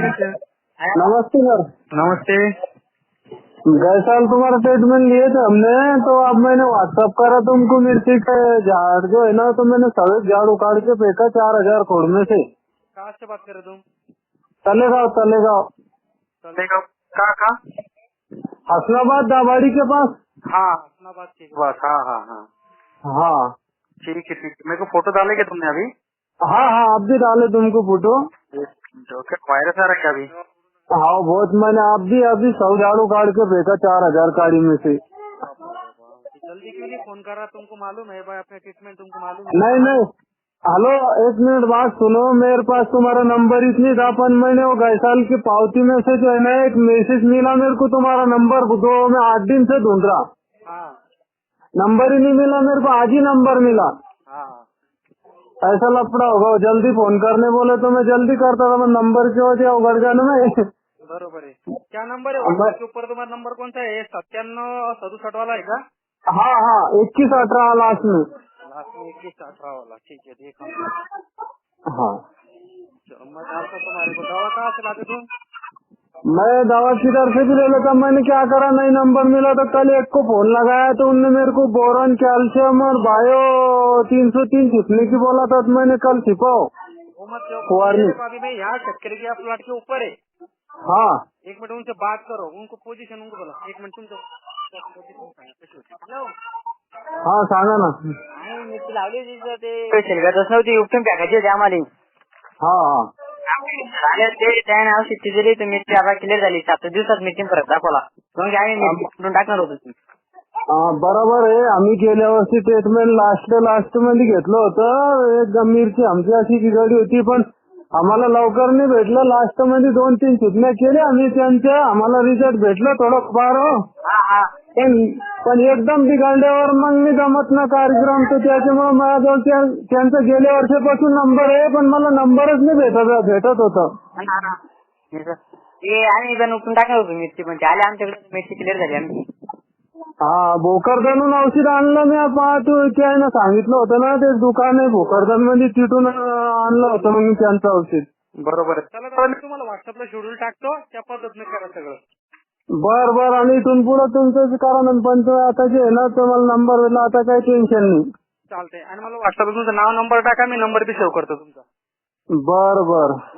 नमस्ते sir. नमस्ते। गए साल तुम्हारा ट्रीटमेंट लिए थे हमने, तो अब मैंने व्हाट्सअप करा तुमको मिर्ची का झाड़ जो है ना, तो मैंने सभी झाड़ उखाड़ के फेंका 4000 खोड़ में से। कहाँ से बात कर रहे तुम? तलेगांव तलेगांव तलेगांव कहाँ? हसनाबाद दाबाड़ी के पास। हाँ हसनाबाद के पास। हाँ हाँ हाँ हाँ ठीक है ठीक है। मेरे को फोटो डालेंगे तुमने अभी? हाँ हाँ, अब भी डाले तुमको फोटो। क्या वायरस आ रखा अभी? हाँ बहुत, मैंने अभी 100 झाड़ उखाड़ के फेंका 4000 काड़ी में से। जल्दी क्यों नहीं फोन कर रहा? तुमको मालूम है भाई अपने ट्रीटमेंट, तुमको मालूम है? नहीं नहीं, हेलो एक मिनट बात सुनो, मेरे पास तुम्हारा नंबर इसलिए था, अपन मैंने वो गए साल की पावती में से जो है ना एक मैसेज मिला मेरे को, तुम्हारा नंबर दो, मैं 8 दिन से ढूंढ रहा, हाँ नंबर ही नहीं मिला मेरे को, आज ही नंबर मिला। हाँ ऐसा लफड़ा होगा, जल्दी फोन करने बोले तो मैं जल्दी करता था, मैं नंबर की वजह उगड़ जाने में। बरोबर है। क्या नंबर है व्हाट्सएप के ऊपर? तुम्हारा नंबर कौन सा है? 9767 वाला है का? हाँ हाँ, 2118 लास्ट में। लास्ट में 2118 वाला। ठीक है देखा। हाँ, मैं डालता तुम्हारे को। दवा कहाँ से लाते तुम? मैं दवा किधर से भी ले लेता, मैंने क्या करा, नहीं नंबर मिला तो कल एक को फोन लगाया तो उनने मेरे को बोरन कैल्शियम और बायो 303 छिपने की बोला था, तो मैंने कल छिपाओ वो मत वार्निंग। अभी मैं यहाँ चक्कर के प्लाट के ऊपर है। हाँ एक मिनट उनसे बात करो, उनको पोजीशन उनको बोला। एक मिनट तुमचं पोझिशन सांगा कशी होती. हॅलो हाँ सांगा ना। आणि मिरची लावली तिथं ते शेलगातच नव्हती, उपटून टाकायची होती आम्हाला. हाँ हाँ झाले ते त्याने औषध दिली तर मिरची आता क्लिअर झाली. 7 दिवसात मिरची परत दाखवला. मग आम्ही मिरची उपटून टाकणार होतो. हाँ बरोबर आहे, आम्ही गेल्या वर्षी ट्रीटमेंट लास्ट मध्ये घेतलं होतं, एक मिरची आमची अशी बिघडली होती, पण आम्हाला लवकर नाही भेटलं, लास्ट मध्ये 2-3 चिटण्या केल्या आम्ही त्यांच्या, आम्हाला रिझल्ट भेटलं थोडंफार हो, पण एकदम बिघडल्यावर मग मी जमत ना कार्यक्रम, तर त्याच्यामुळे माझ्याजवळ त्यांचा गेल्या वर्षापासून नंबर आहे, पण मला नंबरच नाही भेटत होता. ते आम्ही पण उपटून टाकणार होतो मिरची, पण आले आमच्याकडे मिरची क्लिअर झाली आमची. हा, भोकरदनहून औषध आणलं मी, त्यानं सांगितलं होतं ना, ते दुकान आहे भोकरदन मध्ये, तिथून आणलं होतं मग मी त्यांचं औषध. बरोबर. चला मी तुम्हाला व्हॉट्सअपला शेड्यूल टाकतो, त्या पद्धतीने करा सगळं. बर आणि इथून पुढे तुमचं कारण, पण आता जे आहे ना तुम्हाला नंबर दिला, आता काही टेन्शन नाही. चालतंय. आणि मला व्हॉट्सअपला तुमचं नाव नंबर टाका, मी नंबर बी सेव्ह करतो तुमचा. बर